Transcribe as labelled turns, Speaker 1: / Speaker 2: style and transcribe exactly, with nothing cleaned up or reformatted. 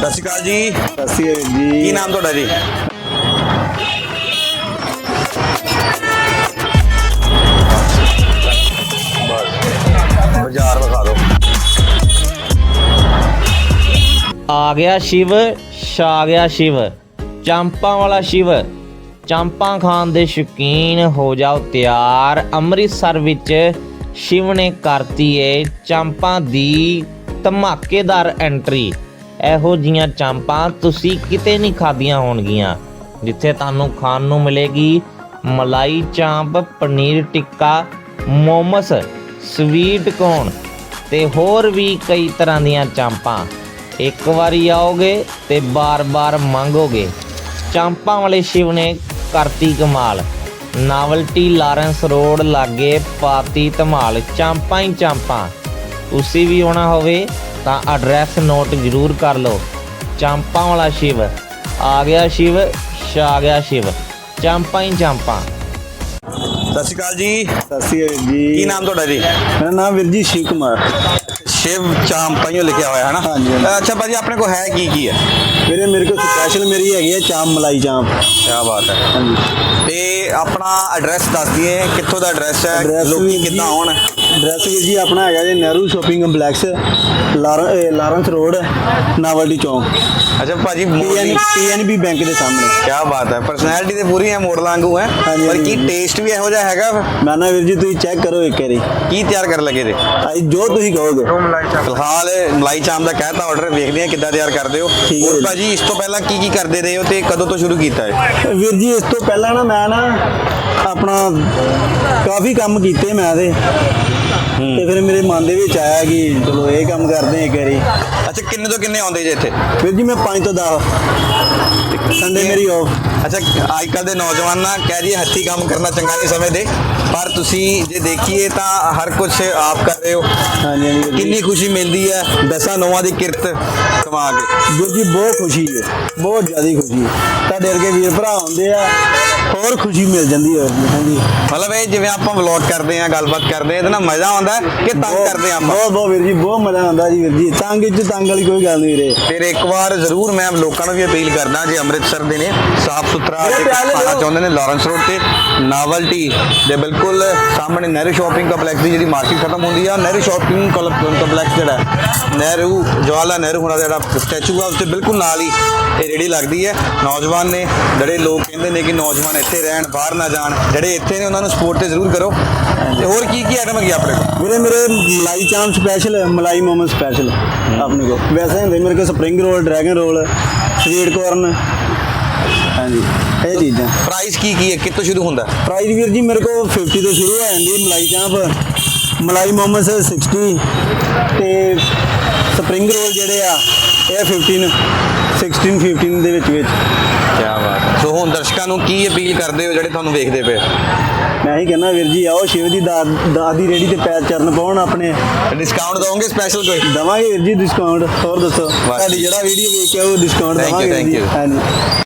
Speaker 1: ਸਤਿ ਸ਼੍ਰੀ ਅਕਾਲ ਜੀ।
Speaker 2: ਸਤਿ ਸ਼੍ਰੀ ਅਕਾਲ ਜੀ।
Speaker 1: ਕੀ ਨਾਮ ਤੁਹਾਡਾ ਜੀ? ਬਾਜ਼ਾਰ ਵਿਖਾ ਦਿਓ।
Speaker 3: ਆ ਗਿਆ ਸ਼ਿਵ, ਛਾ ਗਿਆ ਸ਼ਿਵ, ਚਾਂਪਾਂ ਵਾਲਾ ਸ਼ਿਵ। ਚਾਂਪਾਂ ਖਾਣ ਦੇ ਸ਼ੌਕੀਨ ਹੋ ਜਾਓ ਤਿਆਰ। ਅੰਮ੍ਰਿਤਸਰ ਵਿੱਚ ਸ਼ਿਵ ਨੇ ਕਰਤੀ ਏ ਚਾਂਪਾਂ ਦੀ ਧਮਾਕੇਦਾਰ ਐਂਟਰੀ। ਇਹੋ ਜੀਆਂ ਚਾਂਪਾਂ ਤੁਸੀਂ ਕਿਤੇ ਨਹੀਂ ਖਾਧੀਆਂ ਹੋਣਗੀਆਂ, ਜਿੱਥੇ ਤੁਹਾਨੂੰ ਖਾਣ ਨੂੰ ਮਿਲੇਗੀ ਮਲਾਈ ਚਾਂਪ, ਪਨੀਰ ਟਿੱਕਾ, ਮੋਮਸ, ਸਵੀਟ ਕੋਰਨ ਤੇ ਹੋਰ ਵੀ ਕਈ ਤਰ੍ਹਾਂ ਦੀਆਂ ਚਾਂਪਾਂ। ਇੱਕ ਵਾਰੀ ਆਓਗੇ ਤੇ ਬਾਰ-ਬਾਰ ਮੰਗੋਗੇ। ਚਾਂਪਾਂ ਵਾਲੇ ਸ਼ਿਵ ਨੇ ਕਰਤੀ ਕਮਾਲ। ਨਾਵਲਟੀ ਲਾਰੈਂਸ ਰੋਡ ਲਾਗੇ ਪਾਤੀ ਧਮਾਲ। ਚਾਂਪਾਂ ਹੀ ਚਾਂਪਾਂ। ਤੁਸੀਂ ਵੀ ਆਉਣਾ ਹੋਵੇ ਤਾਂ ਐਡਰੈਸ ਨੋਟ ਜ਼ਰੂਰ ਕਰ ਲਓ। ਚਾਂਪਾਂ ਵਾਲਾ ਸ਼ਿਵ, ਆ ਗਿਆ ਸ਼ਿਵ, ਛਾ ਗਿਆ ਸ਼ਿਵ। ਚਾਂਪਾਂ ਹੀ ਚਾਂਪਾਂ।
Speaker 1: ਸਤਿ ਸ਼੍ਰੀ ਅਕਾਲ ਜੀ।
Speaker 2: ਸਤਿ ਸ਼੍ਰੀ ਅਕਾਲ ਜੀ।
Speaker 1: ਕੀ ਨਾਮ ਤੁਹਾਡਾ ਜੀ?
Speaker 2: ਮੇਰਾ ਨਾਮ ਵੀਰ ਜੀ ਸ਼ਿਵ ਕੁਮਾਰ।
Speaker 1: ਸ਼ਿਵ ਚਾਂਪਾਂ ਲਿਖਿਆ ਹੋਇਆ ਹੈ ਨਾ?
Speaker 2: ਹਾਂਜੀ, ਹਾਂਜੀ।
Speaker 1: ਅੱਛਾ ਭਾਜੀ, ਆਪਣੇ ਕੋਲ ਹੈ ਕੀ ਕੀ ਹੈ?
Speaker 2: ਵੀਰੇ ਮੇਰੇ ਕੋਲ ਸਪੈਸ਼ਲ ਮੇਰੀ ਹੈਗੀ ਹੈ ਚਾਂਪ, ਮਲਾਈ ਚਾਂਪ।
Speaker 1: ਕਿਆ ਬਾਤ ਹੈ।
Speaker 2: ਹਾਂਜੀ।
Speaker 1: ਤੇ ਆਪਣਾ ਐਡਰੈਸ ਦੱਸ ਦਈਏ, ਕਿੱਥੋਂ ਦਾ ਐਡਰੈਸ ਹੈ,
Speaker 2: Address
Speaker 1: ਲੋਕੀ
Speaker 2: ਵੀਰ
Speaker 1: ਕਿੱਦਾਂ
Speaker 2: ਜੀ-
Speaker 1: ਆਉਣ?
Speaker 2: ਐਡਰੈਸ ਵੀਰ ਜੀ ਆਪਣਾ ਹੈਗਾ ਜੀ ਨਹਿਰੂ ਸ਼ਾਪਿੰਗ ਕੰਪਲੈਕਸ, ਲਾਰ- ਇਹ ਲਾਰੈਂਸ ਰੋਡ, ਨਾਵਲਟੀ ਚੌਂਕ,
Speaker 1: ਅੱਛਾ ਭਾਜੀ,
Speaker 2: ਪੀ ਐਨ ਬੀ ਬੈਂਕ ਦੇ ਸਾਹਮਣੇ।
Speaker 1: ਕਿਆ ਬਾਤ ਹੈ। ਪਰਸਨੈਲਿਟੀ ਤੇ ਪੂਰੀ ਹੈ, ਮੋਡਲ ਵਾਂਗੂ ਹੈ।
Speaker 2: ਹਾਂਜੀ,
Speaker 1: ਪਰ ਕੀ
Speaker 2: ਹਾਂਜੀ।
Speaker 1: ਟੇਸਟ ਵੀ ਇਹੋ ਜਿਹਾ ਹੈਗਾ?
Speaker 2: ਮੈਂ ਨਾ ਵੀਰ ਜੀ ਤੁਸੀਂ ਚੈੱਕ ਕਰੋ ਇੱਕ ਵਾਰੀ,
Speaker 1: ਕੀ ਤਿਆਰ ਕਰਨ ਲੱਗੇ ਜੇ?
Speaker 2: ਅੱਜ ਜੋ ਤੁਸੀਂ ਕਹੋਗੇ।
Speaker 1: ਫਿਲਹਾਲ ਮਲਾਈ ਚਾਂਪ ਦਾ ਕਹਿਤਾ ਆਰਡਰ, ਵੇਖਦੇ ਆ ਕਿੱਦਾਂ ਤਿਆਰ ਕਰਦੇ ਹੋ।
Speaker 2: ਠੀਕ ਹੈ
Speaker 1: ਹੋਰ
Speaker 2: ਜੀ।
Speaker 1: ਭਾਜੀ, ਇਸ ਤੋਂ ਪਹਿਲਾਂ ਕੀ ਕੀ ਕਰਦੇ ਰਹੇ ਹੋ ਤੇ ਕਦੋਂ ਤੋਂ ਸ਼ੁਰੂ ਕੀਤਾ ਹੈ?
Speaker 2: ਵੀਰ ਜੀ ਇਸ ਤੋਂ ਪਹਿਲਾਂ ਨਾ ਮੈਂ ਨਾ ਆਪਣਾ ਕਾਫੀ ਕੰਮ ਕੀਤੇ ਮੈਂ ਤੇ ਤੇ ਫਿਰ ਮੇਰੇ ਮਨ ਦੇ ਵਿੱਚ ਆਇਆ ਕਿ ਚਲੋ ਇਹ ਕੰਮ ਕਰਦੇ ਹਾਂ ਇੱਕ ਵਾਰੀ।
Speaker 1: ਅੱਛਾ, ਕਿੰਨੇ ਤੋਂ ਕਿੰਨੇ ਆਉਂਦੇ ਜੇ ਇੱਥੇ?
Speaker 2: ਵੀਰ ਜੀ ਮੈਂ ਪੰਜ ਤੋਂ ਦਸ, ਸੰਡੇ ਮੇਰੀ ਆਫ।
Speaker 1: ਅੱਛਾ, ਅੱਜ ਕੱਲ੍ਹ ਦੇ ਨੌਜਵਾਨ ਨਾ ਕਹਿ ਰਹੀ ਹੱਥੀਂ ਕੰਮ ਕਰਨਾ ਚੰਗਾ ਨਹੀਂ ਸਮਝਦੇ, ਪਰ ਤੁਸੀਂ ਜੇ ਦੇਖੀਏ ਤਾਂ ਹਰ ਕੁਝ ਆਪ ਕਰ ਰਹੇ ਹੋ।
Speaker 2: ਹਾਂਜੀ ਹਾਂਜੀ ਵੀਰ ਜੀ।
Speaker 1: ਕਿੰਨੀ ਖੁਸ਼ੀ ਮਿਲਦੀ ਹੈ ਦਸਾਂ ਨੌਵਾਂ ਦੀ ਕਿਰਤ ਕਮਾ ਕੇ।
Speaker 2: ਵੀਰ ਜੀ ਬਹੁਤ ਖੁਸ਼ੀ ਹੈ, ਬਹੁਤ ਜ਼ਿਆਦਾ ਖੁਸ਼ੀ ਹੈ। ਤੁਹਾਡੇ ਵਰਗੇ ਵੀਰ ਭਰਾ ਹੁੰਦੇ ਆ, ਹੋਰ ਖੁਸ਼ੀ ਮਿਲ ਜਾਂਦੀ ਹੈ। ਹਾਂਜੀ,
Speaker 1: ਮਤਲਬ ਇਹ ਜਿਵੇਂ ਆਪਾਂ ਵਲੌਗ ਕਰਦੇ ਆ, ਗੱਲਬਾਤ ਕਰਦੇ ਆ, ਇਹਦੇ ਨਾਲ ਮਜ਼ਾ ਆਉਂਦਾ ਹੈ ਕਿ ਤੰਗ
Speaker 2: ਬਹੁਤ-
Speaker 1: ਕਰਦੇ ਆ ਆਪਾਂ?
Speaker 2: ਬਹੁਤ ਬਹੁਤ ਵੀਰ ਜੀ, ਬਹੁਤ ਮਜ਼ਾ ਆਉਂਦਾ ਜੀ ਵੀਰ ਜੀ। ਤੰਗ ਚ ਤੰਗ ਵਾਲੀ ਕੋਈ ਗੱਲ ਨਹੀਂ ਵੀਰੇ।
Speaker 1: ਫਿਰ ਇੱਕ ਵਾਰ ਜ਼ਰੂਰ ਮੈਂ ਲੋਕਾਂ ਨੂੰ ਵੀ ਅਪੀਲ ਕਰਦਾ, ਜੇ ਅੰਮ੍ਰਿਤਸਰ ਦੇ ਨੇ ਸਾਫ ਸੁਥਰਾ
Speaker 2: ਵੀਰੇ
Speaker 1: ਜੇ
Speaker 2: ਪਿਆਲੇ
Speaker 1: ਖਾਣਾ
Speaker 2: ਦਿਓ।
Speaker 1: ਚਾਹੁੰਦੇ ਨੇ, ਲਾਰੈਂਸ ਰੋਡ ਤੇ ਨਾਵਲਟੀ ਦੇ ਬਿਲਕੁਲ ਸਾਹਮਣੇ ਨਹਿਰੂ ਸ਼ਾਪਿੰਗ ਕੰਪਲੈਕਸ ਦੀ ਜਿਹੜੀ ਮਾਰਕੀਟ ਖਤਮ ਹੁੰਦੀ ਆ, ਨਹਿਰੂ ਸ਼ਾਪਿੰਗ ਕੰਪਲੈਕਸ ਜਿਹੜਾ ਨਹਿਰੂ ਜਵਾਹਰਲਾਲ ਨਹਿਰੂ ਹੋਣਾ ਦਾ ਜਿਹੜਾ ਸਟੈਚੂ ਆ, ਉਸ ਦੇ ਬਿਲਕੁਲ ਨਾਲ ਹੀ ਇਹ ਰੇਹੜੀ ਲੱਗਦੀ ਹੈ। ਨੌਜਵਾਨ ਨੇ ਜਿਹੜੇ ਲੋਕ ਕਹਿੰਦੇ ਨੇ ਕਿ ਨੌਜਵਾਨ ਇੱਥੇ ਰਹਿਣ, ਬਾਹਰ ਨਾ ਜਾਣ, ਜਿਹੜੇ ਇੱਥੇ ਨੇ ਉਹਨਾਂ ਨੂੰ ਸਪੋਰਟ ਤੇ ਜ਼ਰੂਰ ਕਰੋ। ਤੇ ਹੋਰ ਕੀ ਕੀ ਆਈਟਮ ਹੈਗੀ ਆਪਣੇ ਕੋਲ?
Speaker 2: ਵੀਰੇ ਮੇਰੇ ਮਲਾਈ ਚਾਂਪ ਸਪੈਸ਼ਲ, ਮਲਾਈ ਮੋਮਸ ਸਪੈਸ਼ਲ ਆਪਣੇ ਕੋਲ। ਵੈਸੇ ਹੁੰਦੇ ਮੇਰੇ ਕੋਲ spring roll, dragon roll, sweet corn. ਹਾਂਜੀ, ਇਹ ਚੀਜ਼ਾਂ।
Speaker 1: ਪ੍ਰਾਈਸ ਕੀ ਕੀ ਹੈ, ਕਿੱਥੋਂ ਸ਼ੁਰੂ ਹੁੰਦਾ?
Speaker 2: ਪ੍ਰਾਈਸ ਵੀਰ ਜੀ ਮੇਰੇ ਕੋਲ ਪਚਾਸ ਤੋਂ ਸ਼ੁਰੂ ਹੋ ਜਾਂਦੀ ਮਲਾਈ ਚਾਂਪ, ਮਲਾਈ ਮੋਮਸ ਸਾਠ ਤੇ ਸਪਰਿੰਗ ਰੋਲ ਜਿਹੜੇ ਆ ਇਹ ਪੰਦਰਾਂ ਸੋਲਾਂ ਪੰਦਰਾਂ ਦੇ ਵਿੱਚ ਵਿੱਚ।
Speaker 1: ਕਿਆ ਬਾਤ ਹੈ। ਸੋ ਹੁਣ ਦਰਸ਼ਕਾਂ ਨੂੰ ਕੀ ਅਪੀਲ ਕਰਦੇ ਹੋ ਜਿਹੜੇ ਤੁਹਾਨੂੰ ਵੇਖਦੇ ਪਏ?
Speaker 2: ਮੈਂ ਹੀ ਕਹਿੰਦਾ ਵੀਰ ਜੀ ਆਓ ਸ਼ਿਵ ਦੀ ਦਾਤ ਦਾਤ ਦੀ ਰੇੜੀ ਤੇ ਪੈਰ ਚਰਨ ਪਾਉਣ ਆਪਣੇ।
Speaker 1: ਡਿਸਕਾਊਂਟ ਦਵੋਗੇ ਸਪੈਸ਼ਲ ਕੋਈ?
Speaker 2: ਦਵਾਂਗੇ ਵੀਰ ਜੀ ਡਿਸਕਾਊਂਟ। ਹੋਰ ਦੱਸੋ, ਤੁਹਾਡੀ ਜਿਹੜਾ ਵੀਡੀਓ ਵੇਖ ਕੇ ਉਹ ਡਿਸਕਾਊਂਟ
Speaker 1: Thank you,
Speaker 2: ਦਵਾਂਗੇ
Speaker 1: thank
Speaker 2: ਜੀ।
Speaker 1: you.
Speaker 2: ਹਾਂਜੀ।